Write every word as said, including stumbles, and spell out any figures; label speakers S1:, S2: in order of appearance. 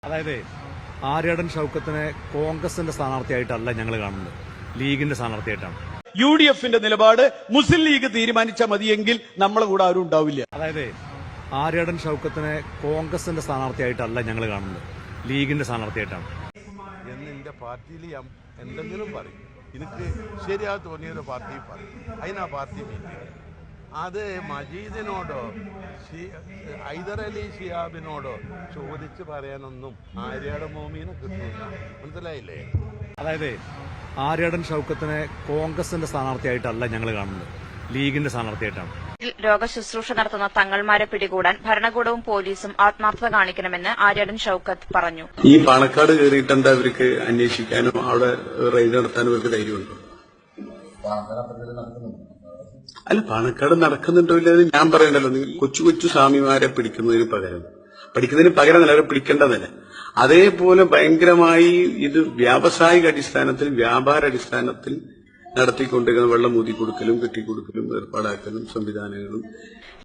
S1: അതായത് ആര്യാടൻ ഷൗക്കത്തിനെ കോൺഗ്രസിന്റെ സ്ഥാനാർത്ഥിയായിട്ടല്ല ഞങ്ങൾ കാണുന്നത്, ലീഗിന്റെ സ്ഥാനാർത്ഥിയായിട്ടാണ്.
S2: യു ഡി എഫിന്റെ നിലപാട് മുസ്ലിം ലീഗ് തീരുമാനിച്ചാൽ മതിയെങ്കിൽ നമ്മളെ കൂടെ ആരും ഉണ്ടാവില്ല.
S1: അതായത് ആര്യാടൻ ഷൗക്കത്തിനെ കോൺഗ്രസിന്റെ സ്ഥാനാർത്ഥിയായിട്ടല്ല ഞങ്ങൾ കാണുന്നത്, ലീഗിന്റെ സ്ഥാനാർത്ഥിയായിട്ടാണ്.
S3: എന്നെ പാർട്ടിയിൽ എന്തെങ്കിലും പറയും, എനിക്ക് ശരിയാ തോന്നിയൊരു പാർട്ടി പറയും, അതിനാ പാർട്ടി മീറ്റിംഗ്. അത് മജീദിനോടോ ഹൈദരലി ശിഹാബിനോടോ ചോദിച്ച് പറയാനൊന്നും ആര്യാടൻ മോമീനെ കിട്ടില്ല. മനസ്സിലായില്ലേ?
S1: അതായത് ആര്യാടൻ ഷൗക്കത്തിനെ കോൺഗ്രസിന്റെ സ്ഥാനാർത്ഥിയായിട്ടല്ല ഞങ്ങൾ കാണുന്നത്, ലീഗിന്റെ സ്ഥാനാർത്ഥിയായിട്ടാണ്.
S4: രോഗശുശ്രൂഷ നടത്തുന്ന തങ്ങൾമാരെ പിടികൂടാൻ ഭരണകൂടവും പോലീസും ആത്മാർത്ഥത കാണിക്കണമെന്ന് ആര്യാടൻ ഷൌക്കത്ത് പറഞ്ഞു.
S5: ഈ പാണക്കാട് കയറിയിട്ട് എന്താ അവർക്ക് അന്വേഷിക്കാനോ അവിടെ റെയ്ഡ് നടത്താനോ അവർക്ക് ധൈര്യമുണ്ടോ? അല്ല, പാണക്കാട് നടക്കുന്നുണ്ടോ ഇല്ലെന്ന് ഞാൻ പറയണ്ടല്ലോ. നിങ്ങൾ കൊച്ചു കൊച്ചു സ്വാമിമാരെ പിടിക്കുന്നതിന് പകരം പഠിക്കുന്നതിന് പകരം അവരെ പിടിക്കേണ്ടതല്ല. അതേപോലെ ഭയങ്കരമായി ഇത് വ്യാവസായിക അടിസ്ഥാനത്തിൽ വ്യാപാര അടിസ്ഥാനത്തിൽ നടത്തിക്കൊണ്ടിരിക്കുന്ന വെള്ളം ഊതി കൊടുക്കലും കെട്ടിക്കൊടുക്കലും ഏർപ്പാടാക്കലും സംവിധാനങ്ങളും